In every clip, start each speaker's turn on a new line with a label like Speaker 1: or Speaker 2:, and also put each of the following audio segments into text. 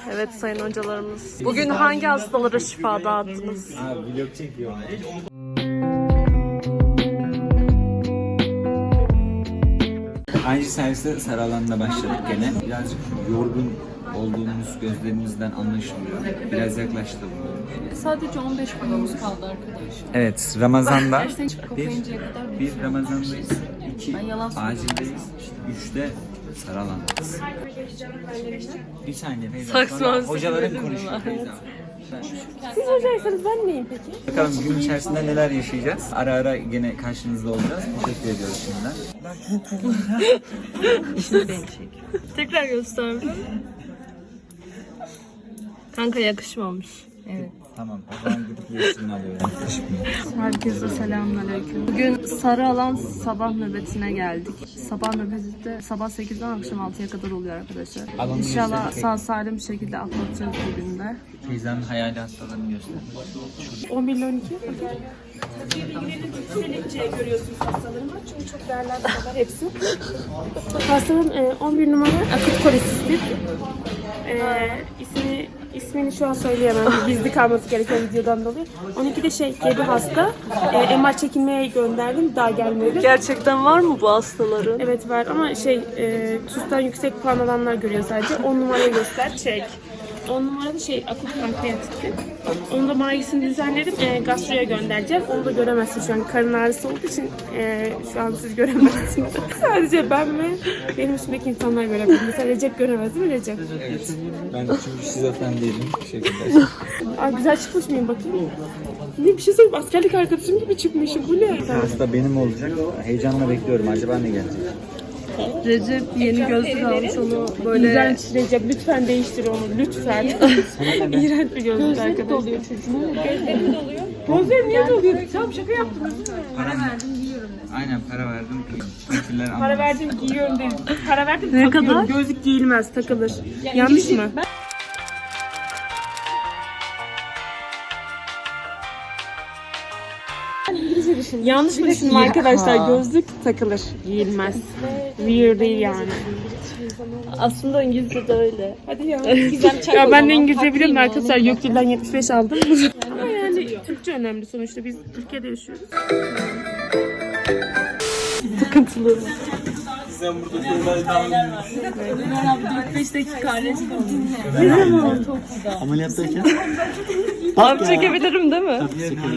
Speaker 1: Evet sayın hocalarımız. Bugün hangi hastalara şifa dağıttınız?
Speaker 2: Abi vlog çekiyorum. Aynı serviste sarı alanda başladık gene. Birazcık yorgun olduğumuz gözlerimizden anlaşılıyor. Biraz yaklaştı bu.
Speaker 3: Sadece 15 günümüz kaldı arkadaşlar.
Speaker 2: Evet, Ramazan'da
Speaker 3: Dersten çıkıp kapayıncaya kadar
Speaker 2: bir Ramazan'dayız, 2
Speaker 3: Ben yalan
Speaker 2: acildeyiz, 3'te sarı alandayız. Bir saniye Feyza.
Speaker 1: Saksma
Speaker 2: Sonra
Speaker 1: müzik
Speaker 2: hocaların
Speaker 1: dedim
Speaker 2: konuşuyor
Speaker 1: ben.
Speaker 2: Feyza.
Speaker 1: Siz hocaysanız ben neyim peki?
Speaker 2: Bakalım gün içerisinde neler yaşayacağız. Ara ara gene karşınızda olacağız. Teşekkür ediyoruz şimdiden.
Speaker 1: Tekrar gösterdim. Kanka yakışmamış.
Speaker 3: Evet.
Speaker 2: Tamam, o zaman gidip yeşilini alıyorum.
Speaker 1: Herkese selamünaleyküm. Bugün sarı alan sabah nöbetine geldik. Sabah nöbeti de sabah 8'den akşam 6'ya kadar oluyor arkadaşlar.
Speaker 2: Alanı
Speaker 1: İnşallah
Speaker 2: gösterecek.
Speaker 1: sağ salim bir şekilde atlatacağız bugün de.
Speaker 2: Teyzemin hayali hastalarını göster.
Speaker 1: 11 ile 12.
Speaker 4: Görüyorsunuz hastalarımı. Çünkü çok değerli hastalar hepsi. Hastalığım 11 numara akut kolisistit. İsmini şu an söyleyemem. Gizli kalması gereken videodan dolayı. 12'de gebe hasta. MR çekilmeye gönderdim. Daha gelmedi.
Speaker 1: Gerçekten var mı bu hastaların?
Speaker 4: Evet var ama TUS'tan yüksek puan alanlar görüyor sadece. 10 numarayı göster. Çek. 10 numarada akut pankreatitti. Onun da margisini düzenledim. Gastroya göndereceğim. Onu da göremezsin şu an. Karın ağrısı olduğu için şu an siz göremezsiniz. Sadece ben ve benim üstümdeki insanlar görebilir. Mesela Recep göremez değil mi Recep?
Speaker 2: Evet. Ben çünkü şizofren değilim. Teşekkürler.
Speaker 4: Aa, güzel çıkmış mıyım bakayım? Ne bir şey söyleyeyim. Askerlik arkadaşım gibi çıkmışım. Bu ne?
Speaker 2: Hasta benim olacak. Heyecanla bekliyorum. Acaba ne gelecek?
Speaker 1: Recep yeni gözlük almış, onu böyle...
Speaker 4: İğrenç Recep. Lütfen değiştir onu. Lütfen. İğrenç bir gözlük arkadaşlar. Doluyor çocuğum. Gözlerim doluyor. Gözlerim niye doluyor? Tamam şaka yaptım.
Speaker 2: Para verdim giyiyorum. Aynen para verdim giyiyorum. Fakirler
Speaker 4: Para
Speaker 2: anlamaz.
Speaker 4: verdim giyiyorum dedim. Para verdim
Speaker 1: Ne
Speaker 4: takıyorum.
Speaker 1: kadar?
Speaker 4: Gözlük giyilmez takılır. Yanlış mı? Yanlış mı düşündüm arkadaşlar? Gözlük takılır, giyilmez. Weird değil yani.
Speaker 1: Aslında İngilizce de öyle.
Speaker 4: Hadi ya. Ya ben de İngilizce biliyorum arkadaşlar. Gökdil'den 75 aldım. Ama yani Türkçe önemli sonuçta. Biz Türkiye'de yaşıyoruz.
Speaker 1: Sıkıntılı.
Speaker 2: Sen burada şöyle
Speaker 3: 5 dakika arası
Speaker 2: ameliyattayken
Speaker 1: Abi çekebilirim değil mi?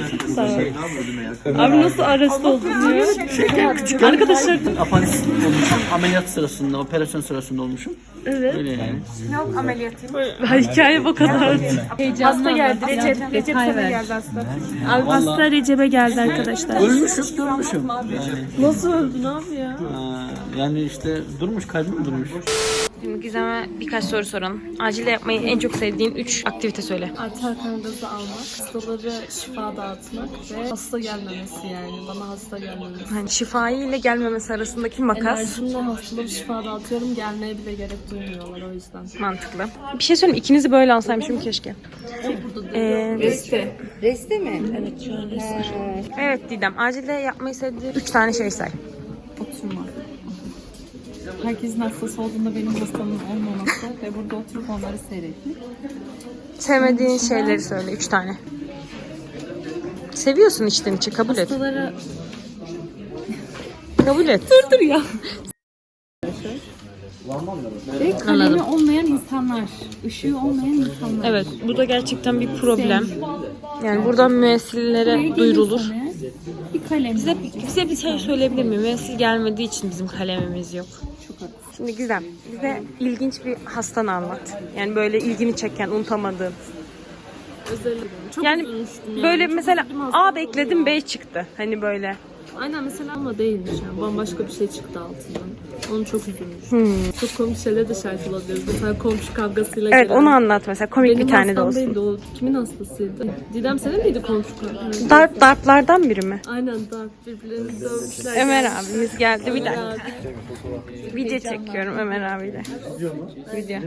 Speaker 1: Abi nasıl arrest oldun diyor. Arkadaşlar
Speaker 5: Apandisit olmuşum. Ameliyat sırasında, operasyon sırasında olmuşum.
Speaker 1: evet.
Speaker 5: Öyle yani.
Speaker 1: Hikaye bu kadar.
Speaker 4: Hasta geldi. Recep sana geldi hasta. Abi hasta Recep'e geldi arkadaşlar.
Speaker 5: Ölmüşüm, durmuşum.
Speaker 1: Nasıl öldün abi ya?
Speaker 5: Yani işte durmuş, kalbim durmuş.
Speaker 6: Şimdi Gizem'e birkaç soru soralım. Acilde yapmayı en çok sevdiğin 3 aktivite söyle.
Speaker 1: Arter kan gazı almak, hastalara şifa dağıtmak ve hasta gelmemesi yani. Bana hasta gelmemesi.
Speaker 6: Hani şifai ile gelmemesi arasındaki makas.
Speaker 1: Enerjimle hastalara şifa dağıtıyorum. Gelmeye bile gerek duymuyorlar o yüzden.
Speaker 6: Mantıklı. Bir şey söyleyeyim, ikinizi böyle alsaymışım keşke.
Speaker 3: Reste mi?
Speaker 1: Evet şu an resim.
Speaker 6: Evet Didem, acilde yapmayı sevdiğin 3 tane şey say.
Speaker 3: Oturma. Herkesin hastası olduğunda benim hastamın olmaması ve burada oturup onları seyretmek.
Speaker 6: Sevmediğin şeyleri söyle, 3 tane. Seviyorsun içten içe, kabul et.
Speaker 3: Hastalara
Speaker 6: Kabul et.
Speaker 3: dur ya. Ve kalemi olmayan insanlar, ışığı olmayan insanlar.
Speaker 6: Evet, bu da gerçekten bir problem. Yani buradan müessillere duyurulur.
Speaker 3: Bir kalem.
Speaker 6: Bize bir şey söyleyebilir miyim? Müessil gelmediği için bizim kalemimiz yok. Şimdi Gizem, bize ilginç bir hastanı anlat. Yani böyle ilgini çeken, unutamadığın.
Speaker 1: Çok
Speaker 6: Yani
Speaker 1: üzülmüştüm
Speaker 6: böyle
Speaker 1: Çok
Speaker 6: mesela
Speaker 1: üzüldüm
Speaker 6: A
Speaker 1: hastalığı
Speaker 6: bekledim,
Speaker 1: ya.
Speaker 6: B çıktı. Hani böyle.
Speaker 1: Aynen mesela ama değilmiş yani. Bambaşka bir şey çıktı altından. Onu çok üzülmüş. Çok komik şeyler de şahit olabiliriz. Mesela komşu kavgasıyla
Speaker 6: Evet,
Speaker 1: gelen.
Speaker 6: onu anlat mesela. Komik
Speaker 1: Benim
Speaker 6: bir tane de
Speaker 1: hastam
Speaker 6: olsun.
Speaker 1: değildi o. Kimin hastasıydı? Didem senin miydi komşu kavgası?
Speaker 6: Darplardan biri mi?
Speaker 1: Aynen darp birbirlerini dövmüşler.
Speaker 6: Ömer abimiz geldi. Bir dakika. Video çekiyorum Ömer abiyle. Video.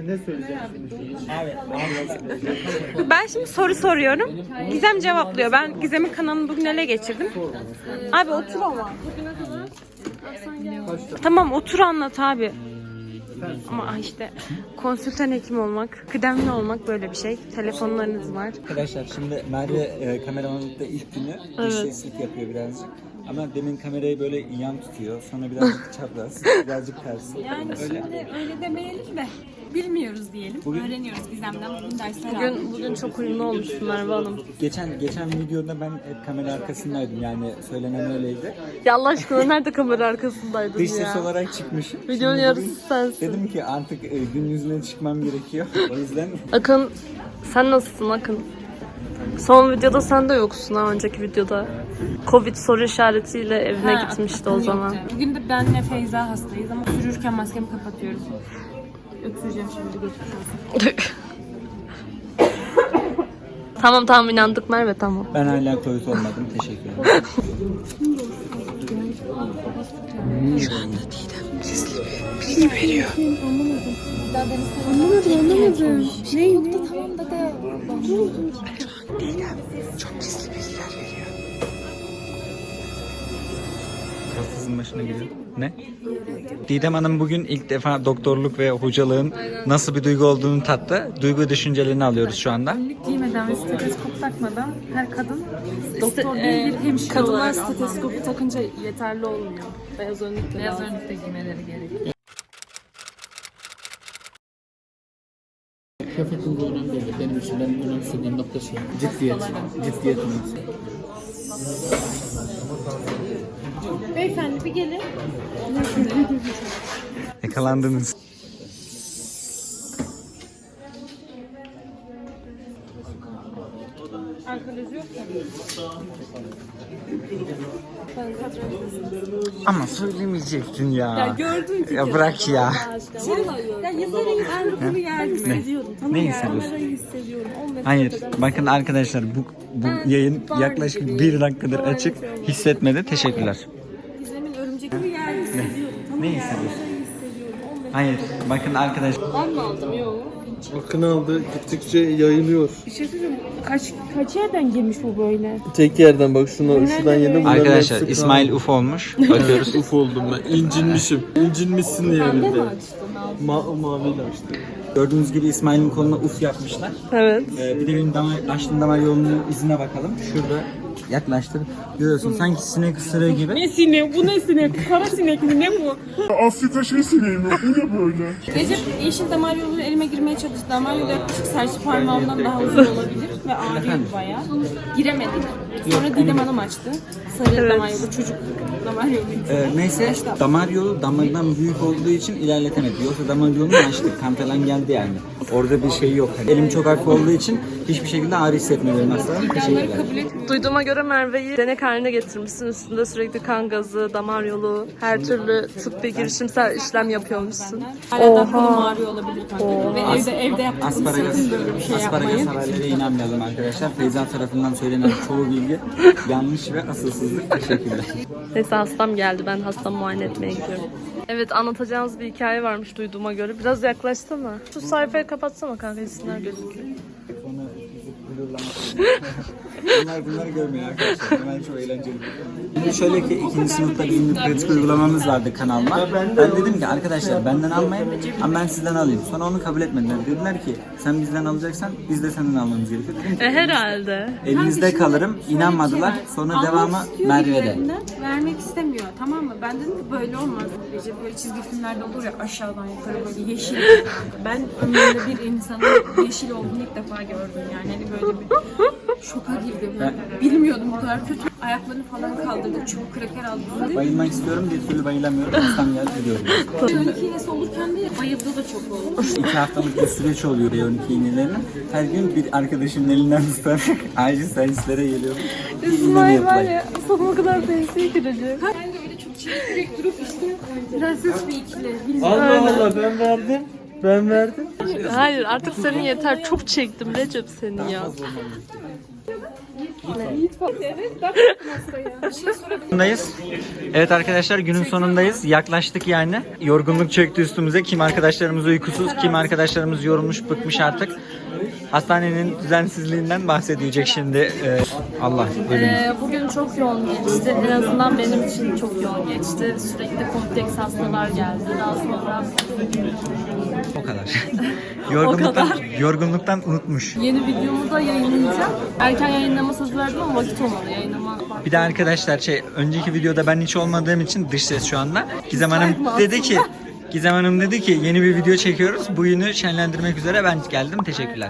Speaker 6: Ben şimdi soru soruyorum. Gizem cevaplıyor. Ben Gizem'in kanalını bugün ele geçirdim. Abi otur ama. Tamam otur anlat abi. Ama işte konsültan hekim olmak, kıdemli olmak böyle bir şey. Telefonlarınız var.
Speaker 2: Arkadaşlar şimdi Merve kameramanlıkta ilk günü dış seslik yapıyor birazcık. Ama demin kamerayı böyle yan tutuyor. Sonra birazcık çapraz, birazcık ters.
Speaker 3: Yani
Speaker 2: öyle.
Speaker 3: şimdi öyle demeyelim de bilmiyoruz diyelim. Öğreniyoruz Gizem'den. Bugün dersler aldık.
Speaker 1: Bugün çok uyumlu olmuşsun Merve Hanım.
Speaker 2: Geçen videoda ben hep kamera arkasındaydım, yani söylenen öyleydi.
Speaker 1: Ya Allah aşkına nerede kamera arkasındaydın
Speaker 2: Dış
Speaker 1: ya?
Speaker 2: ses olarak çıkmışım.
Speaker 1: Videonun
Speaker 2: Şimdi
Speaker 1: yarısı
Speaker 2: bugün
Speaker 1: sensin.
Speaker 2: Dedim ki artık gün yüzüne çıkmam gerekiyor. O yüzden
Speaker 1: Akın, sen nasılsın Akın? Son videoda sen de yoksun ha, önceki videoda. Covid soru işaretiyle evine gitmişti o zaman.
Speaker 3: Bugün de benle Feyza hastayız ama sürürken maskemi kapatıyorum. Öksüreceğim şimdi, geçmiş olsun.
Speaker 1: Tamam inandık Merve, tamam.
Speaker 2: ben hala Covid olmadım. Teşekkür ederim. Hastasının başına geliyor. Ne? Didem Hanım bugün ilk defa doktorluk ve hocalığın nasıl bir duygu olduğunu tattı. Duygu düşüncelerini alıyoruz şu anda.
Speaker 3: Önlük giymeden ve steteskop takmadan her kadın doktor değil bir hemşire
Speaker 1: Kadınlar
Speaker 3: olarak
Speaker 1: stetoskopu takınca yeterli olmuyor. Beyaz önlükle
Speaker 3: beyaz önlükte giymeleri gerekiyor.
Speaker 5: Kıyafetin bu önemli değil. Benim için benim önemsediğim nokta şey. Ciddiyetimiz.
Speaker 3: Beyefendi bir gelin.
Speaker 2: Yakalandınız. Ama söylemeyecektin ya. Ya
Speaker 1: gördün ki.
Speaker 2: Ya bırak ya.
Speaker 1: Ya yazarıyım, ben bunu yerdim. Hissediyorum. Tamam,
Speaker 2: Ne
Speaker 1: ya,
Speaker 2: hissediyorsun?
Speaker 1: kamerayı hissediyorum. 10 metre
Speaker 2: Hayır.
Speaker 1: öteden
Speaker 2: Bakın arkadaşlar bu yayın yaklaşık 1 dakikadır açık. Hissetmedi. Teşekkürler.
Speaker 1: Gizem'in örümcekli yer hissediyorum. Tamam,
Speaker 2: Ne
Speaker 1: ya,
Speaker 2: hissediyorsun?
Speaker 1: kamerayı hissediyorum. 10 metre.
Speaker 2: Hayır. Bakın arkadaşlar.
Speaker 1: Ben mi aldım? Yok.
Speaker 7: Akın aldı, gittikçe yayılıyor.
Speaker 4: Bir şey söyleyeyim. Kaç yerden girmiş bu böyle?
Speaker 7: Tek yerden bak şuradan yedim.
Speaker 2: Arkadaşlar İsmail uf olmuş. Bakıyoruz.
Speaker 7: Uf oldum ben. İncinmişim. İncinmişsin yerinde. Maviyle açtı.
Speaker 2: Gördüğünüz gibi İsmail'in koluna uf yapmışlar.
Speaker 1: Evet.
Speaker 2: Bir de benim açtığım damar yolunun izine bakalım. Şurada yaklaştır. Görüyorsun sanki sinek ısırığı gibi.
Speaker 4: Ne sinek? Bu ne sinek? Kara sinek mi? Ne bu?
Speaker 3: Recep yeşil damar yolu elime girmeye çalıştı. Damar yolu yaklaşık serçe parmağımdan daha uzun olabilir ve ağrıyor bayağı. Giremedik. Sonra Didem Hanım açtı. Sarı damar yolu, çocuk damar yolu.
Speaker 2: Neyse damar yolu damardan büyük olduğu için ilerletemedi. Yoksa damar yolunu açtık. Kan falan geldi yani. Orada bir şey yok. Elim çok hafif olduğu için hiçbir şekilde ağrı hissetmiyorum hastalarım. Teşekkürler.
Speaker 1: Duyduğuma göre Merve'yi denek haline getirmişsin. Üstünde sürekli kan gazı, damar yolu, her türlü tıbbi girişimsel işlem yapıyormuşsun.
Speaker 3: Hala da kolum ağrıyor olabilir kanka. Ve evde yaptık.
Speaker 2: Asparagas, asparagas haberlere inanmayalım arkadaşlar. Feyza tarafından söylenen çoğu bilgi yanlış ve asılsızlık. Teşekkürler.
Speaker 1: Neyse hastam geldi. Ben hastamı muayene etmeye gidiyorum. Evet, anlatacağınız bir hikaye varmış duyduğuma göre. Biraz yaklaşsana. Şu sayfayı kapatsana kanka, isimler gözüküyor.
Speaker 2: Bunları görmüyor arkadaşlar. Hemen çok eğlenceli. Şimdi şöyle ki 2. sınıfta bizim bir pratik uygulamamız vardı kanalda. Ben dedim ki arkadaşlar benden almayın ama ben sizden alayım. Sonra onu kabul etmediler. Dediler ki sen bizden alacaksan biz de senden almamız gerekiyor. Dedim ki
Speaker 1: Herhalde.
Speaker 2: elinizde kalırım. İnanmadılar. Sonra devamı Merve'de.
Speaker 3: Vermek istemiyor, tamam mı? Ben dedim ki böyle olmaz. Recep böyle çizgi filmlerde olur ya, aşağıdan yukarı böyle yeşil. Ben ömrümde bir insanın yeşil olduğunu ilk defa gördüm yani. Hani böyle bir şoka girdim. Ben bilmiyordum bu kadar kötü. Ayaklarını falan kaldırdı, çubuk kraker aldı.
Speaker 2: Bayılmak istiyorum, bir türlü bayılamıyorum. Hastam geldi gidiyorum.
Speaker 3: B12 iğnesi olurken de bayıldığı da çok oldu.
Speaker 2: 2 haftalık bir süreç oluyor B12 iğnelerinin. Her gün bir arkadaşımın elinden tutarak acil servislere geliyorum.
Speaker 1: İsmail var ya, sonuna kadar pensiye girecek.
Speaker 3: Ben de öyle çok çevirerek durup işte prenses bir ikili.
Speaker 7: Allah Allah ben verdim. Ben verdim.
Speaker 1: Hayır, artık senin yeter. Çok çektim Recep seni ya.
Speaker 4: Evet bak
Speaker 2: Sonundayız. Evet arkadaşlar günün sonundayız. Yaklaştık yani. Yorgunluk çöktü üstümüze. Kim arkadaşlarımız uykusuz, kim arkadaşlarımız yorulmuş, bıkmış artık. Hastanenin düzensizliğinden bahsedecek şimdi. Allah bölümü.
Speaker 1: Bugün çok yoğun geçti. En azından benim için çok yoğun geçti. Sürekli kompleks hastalar geldi. Daha sonra
Speaker 2: O kadar.
Speaker 1: kadar.
Speaker 2: Yorgunluktan unutmuş.
Speaker 1: yeni videomu da yayınlayacağım. Erken yayınlama söz verdim ama vakit olmadı yayınlama.
Speaker 2: Bir de arkadaşlar önceki videoda ben hiç olmadığım için dış ses şu anda. Gizem Hanım dedi ki yeni bir video çekiyoruz. Bugünü şenlendirmek üzere ben geldim. Teşekkürler.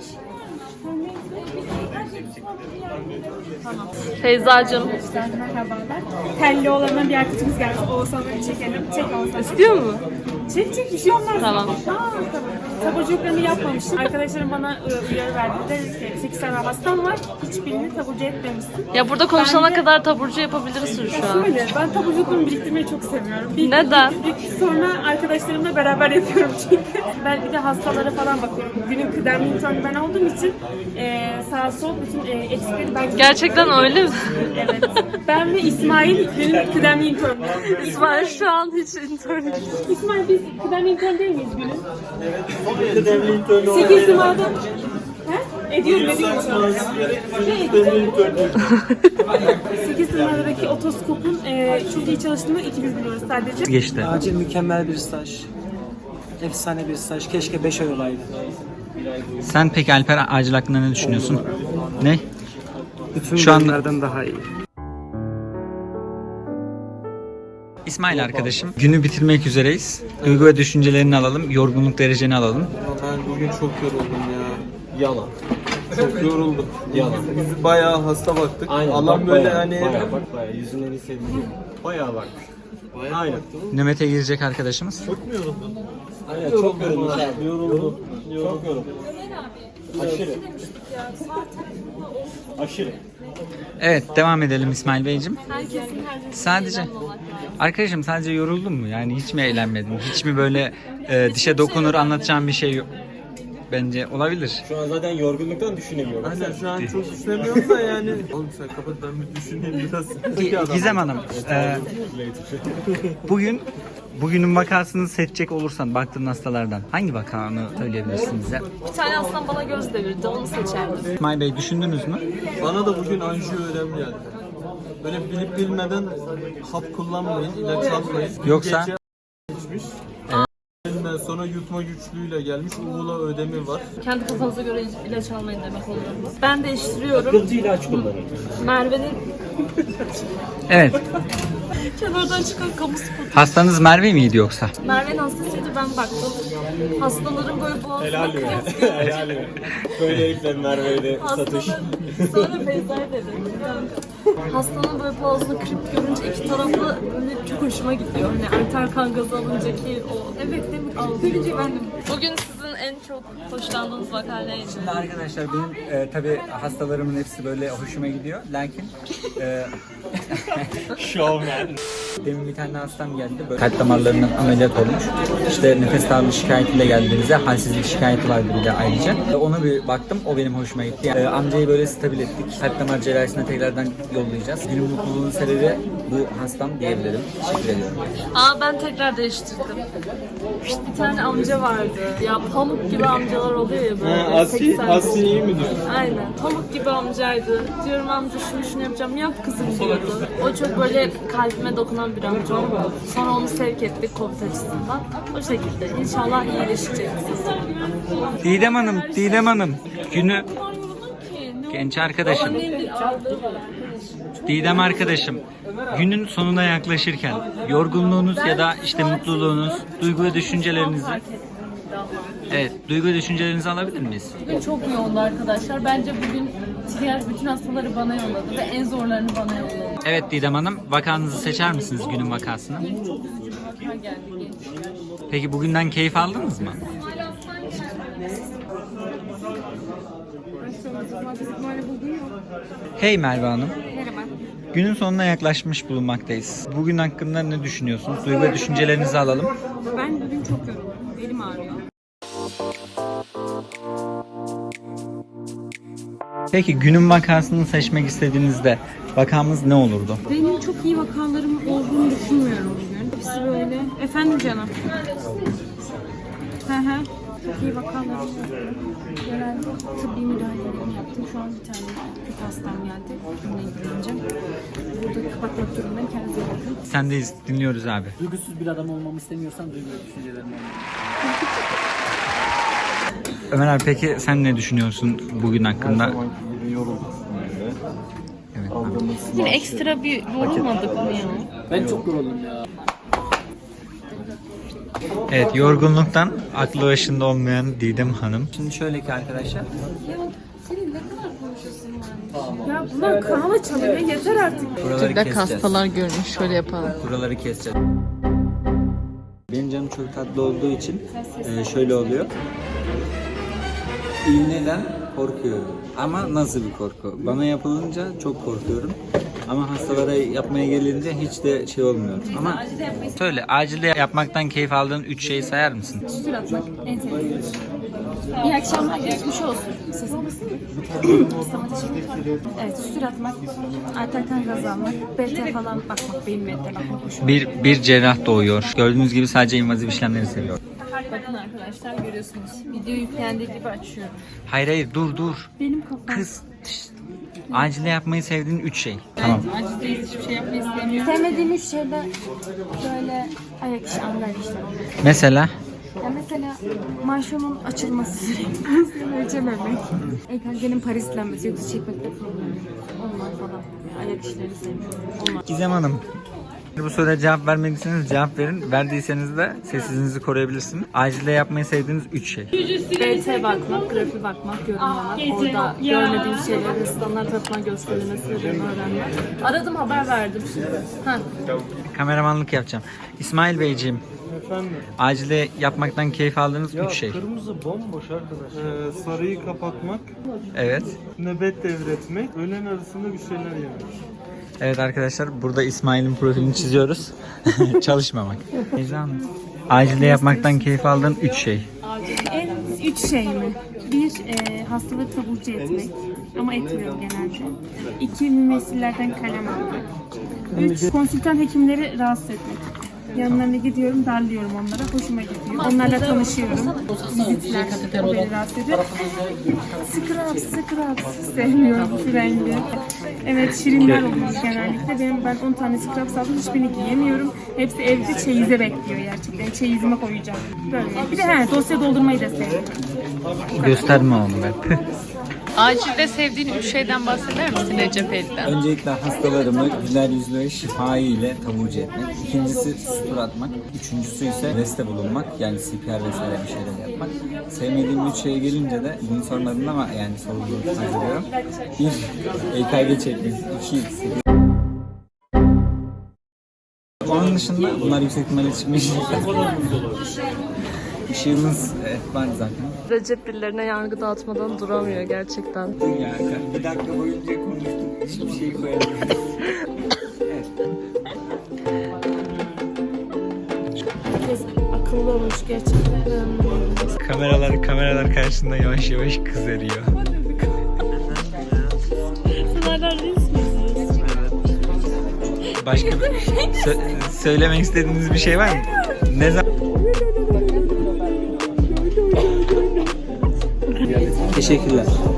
Speaker 1: Feyzacığım.
Speaker 4: merhabalar. Telli olandan bir arkadaşımız geldi. Oğuzhan'ı çekelim. Çek Oğuzhan.
Speaker 1: İstiyor mu?
Speaker 4: Çek bir şey olmaz.
Speaker 1: Tamam.
Speaker 4: Tamam. Taburculuklarını yapmamışsın. Arkadaşlarım bana uyarı verdi. Dedi ki 8 tane hastam var. Hiçbirini taburcu etmemişsin.
Speaker 1: Ya burada konuşana
Speaker 4: Ben de-
Speaker 1: kadar taburcu yapabilirsin şu an.
Speaker 4: Şöyle, ben taburculuklarımı biriktirmeyi çok seviyorum.
Speaker 1: Neden?
Speaker 4: Sonra arkadaşlarımla beraber yapıyorum çünkü. Ben bir de hastalara falan bakıyorum. Günün kıdemli interni ben olduğum için sağ sol bütün eksikleri ben...
Speaker 1: Gerçekten öyle mi?
Speaker 4: Evet. Ben ve İsmail günün kıdemli interni.
Speaker 1: İsmail şu an hiç intern.
Speaker 4: İsmail biz kıdemli intern değil miyiz günün? Evet. 8 numarada... He? Ediyorum. Ne ediyorum? 8 numaradaki otoskopun çok iyi çalıştığını ikimiz biliyoruz sadece.
Speaker 2: Geçti.
Speaker 8: Acil mükemmel bir staj. Efsane bir staj. Keşke 5 ay olaydı.
Speaker 2: Sen peki Alper acil hakkında ne düşünüyorsun? Ne?
Speaker 8: Bütün
Speaker 2: Şu anda-
Speaker 8: bölümlerden daha iyi.
Speaker 2: İsmail arkadaşım. Günü bitirmek üzereyiz. Duygu ve düşüncelerini alalım. Yorgunluk dereceni alalım.
Speaker 7: Ben bugün çok yoruldum ya. Yalan. Çok yoruldum. Yalan. Biz bayağı hasta baktık. Allah'ım böyle hani...
Speaker 9: Bayağı yüzünden hissediliyor. Bayağı bakmış. Aynen.
Speaker 2: Nöbete girecek arkadaşımız.
Speaker 9: Aynen çok yoruldum. Yoruldum. Çok yoruldum. Aşırı. Aşırı.
Speaker 2: Evet devam edelim İsmail Beyciğim. Sadece arkadaşım sadece yoruldun mu? Yani hiç mi eğlenmedin? Hiç mi böyle dişe dokunur anlatacağım bir şey yok? Bence olabilir.
Speaker 9: Şu an zaten yorgunluktan düşünemiyorum.
Speaker 7: Aynen şu an çok düşünemiyorum da yani. Oğlum sen kapat ben bir düşüneyim biraz.
Speaker 2: Gizem Hanım, bugünün vakasını seçecek olursan baktığın hastalardan hangi vakanı söyleyebilirsin bize?
Speaker 1: Bir tane hastam bana göz devirdi, onu seçerdim.
Speaker 2: İsmail Bey düşündünüz mü?
Speaker 7: Bana da bugün anjiyo önemli geldi. Böyle bilip bilmeden hap kullanmayın, ilaç almayın.
Speaker 2: Yoksa?
Speaker 7: Gece geçmiş. Elinden sonra yutma güçlüğüyle gelmiş. Uğula ödemi var.
Speaker 1: Kendi kafanıza göre ilaç almayın demek oluyor bu. Ben değiştiriyorum.
Speaker 9: Sıkıntı ilaç kullanın.
Speaker 1: Merve'nin
Speaker 2: Evet.
Speaker 1: kenardan çıkan kamu spotu.
Speaker 2: Hastanız Merve miydi yoksa?
Speaker 1: Merve'nin hastasıydı, ben baktım. Hastaların böyle boğazına
Speaker 9: Helal mi? Helal mi? Böyle herifler Merve'de satış.
Speaker 1: Sonra Feyza'ya dedi. Hastanın böyle boğazını kırıp görünce iki taraflı böyle çok hoşuma gidiyor. Hani arter kan gazı alınca ki o. Evet değil mi? Görünce ben de. Bugün sizin en çok hoşlandığınız vaka neydi?
Speaker 2: Şimdi arkadaşlar benim tabi hastalarımın hepsi böyle hoşuma gidiyor. Lakin
Speaker 9: Showman.
Speaker 2: demin bir tane hastam geldi. Böyle kalp damarlarından ameliyat olmuş. İşte nefes darlığı şikayetiyle geldi bize. Halsizlik şikayeti vardı bir de ayrıca. Ona bir baktım. O benim hoşuma gitti. Amcayı böyle stabil ettik. Kalp damar cerrahisine tekrardan yollayacağız. Günün mutluluğunun sebebi bu hastam diyebilirim. Teşekkür ediyorum.
Speaker 1: Ben tekrar değiştirdim. Bir tane amca vardı. Ya pamuk gibi amcalar oluyor ya böyle. 80.
Speaker 7: Asi iyi mi diyor?
Speaker 1: Aynen. Pamuk gibi amcaydı. Diyorum amca şunu yapacağım. Yap kızım diyordu. O çok böyle kalbime dokunan bir amca oldu. Sonra onu sevk ettik COVID açısından. O şekilde. İnşallah iyileşecek.
Speaker 2: Didem Hanım. Günü genç arkadaşım. Didem arkadaşım. Günün sonuna yaklaşırken yorgunluğunuz ya da işte mutluluğunuz, duygu ve düşüncelerinizi duygu ve düşüncelerinizi alabilir miyiz?
Speaker 1: Bugün çok yoğundu arkadaşlar. Bence bugün diğer bütün hastaları bana yolladı ve en zorlarını bana yolladı.
Speaker 2: Evet Didem Hanım, vakanızı seçer misiniz günün vakasını?
Speaker 1: Çok üzücü bir vaka geldi.
Speaker 2: Peki bugünden keyif aldınız mı? Hey Merve Hanım.
Speaker 3: Merhaba.
Speaker 2: Günün sonuna yaklaşmış bulunmaktayız. Bugün hakkında ne düşünüyorsunuz? Duygu ve düşüncelerinizi alalım.
Speaker 3: Ben bugün çok yoruldum. Elim ağrıyor.
Speaker 2: Peki günün vakasını seçmek istediğinizde vakamız ne olurdu?
Speaker 3: Benim çok iyi vakalarım olduğunu düşünmüyorum bugün. Hepsi böyle. Efendim canım. Hı hı. Çok iyi vakalarım var. Genel tıbbi müdahalelerimi yaptım. Şu an bir tane kötü hastam geldi. Onunla ilgileneceğim. Burada kapatmak durumundayım. Kendinize iyi bakın.
Speaker 2: Sendeyiz, dinliyoruz abi.
Speaker 5: Duygusuz bir adam olmamı istemiyorsan duygu ve düşüncelerim olmalı.
Speaker 2: Ömer abi peki sen ne düşünüyorsun bugün hakkında? Evet abi.
Speaker 6: Yine ekstra bir yorulmadık mı ya?
Speaker 5: Ben çok yoruldum ya.
Speaker 2: Evet, yorgunluktan aklı başında olmayan Didem Hanım. Şimdi şöyle ki arkadaşlar.
Speaker 3: Ya bunlar kanala çalıyor. Yeter artık.
Speaker 2: Buraları keseceğiz.
Speaker 6: görmüş. Şöyle yapalım.
Speaker 2: Buraları keseceğiz. Benim canım çok tatlı olduğu için şöyle oluyor. İğneden korkuyorum. Ama nasıl bir korku? Bana yapılınca çok korkuyorum. Ama hastalara yapmaya gelince hiç de şey olmuyor. Ama söyle, acilde yapmaktan keyif aldığın 3 şeyi sayar mısın?
Speaker 3: Sütür atmak en sevdiğim. İyi akşamlar, geçmiş olsun. Sesim evet, sütür atmak, arter kan gazı almak, BT falan bakmak, beyin BT bakmak hoşuma.
Speaker 2: Bir cerrah doğuyor. Gördüğünüz gibi sadece invaziv işlemleri seviyor.
Speaker 1: Bakın arkadaşlar görüyorsunuz. Video yüklendiği gibi açıyorum.
Speaker 2: Hayır dur.
Speaker 3: Benim kafam.
Speaker 2: Kız. Şşt. Acilde yapmayı sevdiğin 3 şey. Tamam.
Speaker 1: Acil hiçbir şey yapmayı istemiyorum.
Speaker 3: Sevmediğim üç şeyde böyle ayak işi, anlar işte.
Speaker 2: Mesela?
Speaker 3: Ya mesela manşonun açılması sürekli ölçememek. EKG'nin parislenmesi, yoksa çekmekte problem yok. Onlar falan. Ayak işlerini sevmiyorum. Onlar.
Speaker 2: Gizem Hanım. Bu soruya cevap vermediyseniz cevap verin. Verdiyseniz de sessizliğinizi koruyabilirsiniz. Acilde yapmayı sevdiğiniz 3 şey.
Speaker 3: BT bakmak, grafi bakmak, yorumlamak, orada görmediğim şeyleri standart atma gösterilmesi sebebini öğrenmek. Aradım, haber verdim. Ha.
Speaker 2: Kameramanlık yapacağım. İsmail Beyciğim,
Speaker 7: Efendim?
Speaker 2: acilde yapmaktan keyif aldığınız 3 şey.
Speaker 7: Kırmızı bomboş arkadaş. Sarıyı kapatmak,
Speaker 2: Evet.
Speaker 7: nöbet devretmek, öğlen arasında bir şeyler yemek.
Speaker 2: Evet arkadaşlar, burada İsmail'in profilini çiziyoruz. Çalışmamak. Beyza Hanım. Acilde yapmaktan keyif aldığın 3 şey.
Speaker 3: En üç şey mi? Bir, hastalığı taburcu etmek. Ama etmiyorum genelde. 2, mümessillerden kalem almak. 3, konsültan hekimleri rahatsız etmek. Yanlarına gidiyorum, darlıyorum onlara. Hoşuma gidiyor. Onlarla tanışıyorum. Vizitler, o beni rahatsız ediyor. Scrubs. Sevmiyorum şu rengi. Evet, şirinler oluyor genellikle. Ben 10 tane scrubs aldım. Hiçbirini giyemiyorum. Hepsi evde çeyize bekliyor gerçekten. Çeyizime koyacağım. Böyle. Bir de dosya doldurmayı da seviyorum.
Speaker 2: Gösterme onu ben.
Speaker 6: Acilde sevdiğin 3 şeyden bahseder misin Recep Elden?
Speaker 2: Öncelikle hastalarımı güler yüzlü ve şifa ile taburcu etmek. İkincisi sutur atmak. Üçüncüsü ise reste bulunmak. Yani CPR vesaire bir şeyler yapmak. Sevmediğim 3 şeye gelince de bunu sormadın ama yani sorduğunu hazırlıyorum. 1. EKG çekmek. 2. Onun dışında bunlar yüksek ihtimalle çıkmış. Işığımız var zaten.
Speaker 1: Recep birilerine yargı dağıtmadan duramıyor gerçekten.
Speaker 2: Ya, bir dakika boyunca konuştuk. Hiçbir şey koyamıyorum. Evet.
Speaker 3: Herkes akıllı olmuş gerçekten.
Speaker 2: Kameralar karşısında yavaş yavaş kızarıyor. Başka söylemek istediğiniz bir şey var mı? Ne zaman? Teşekkürler.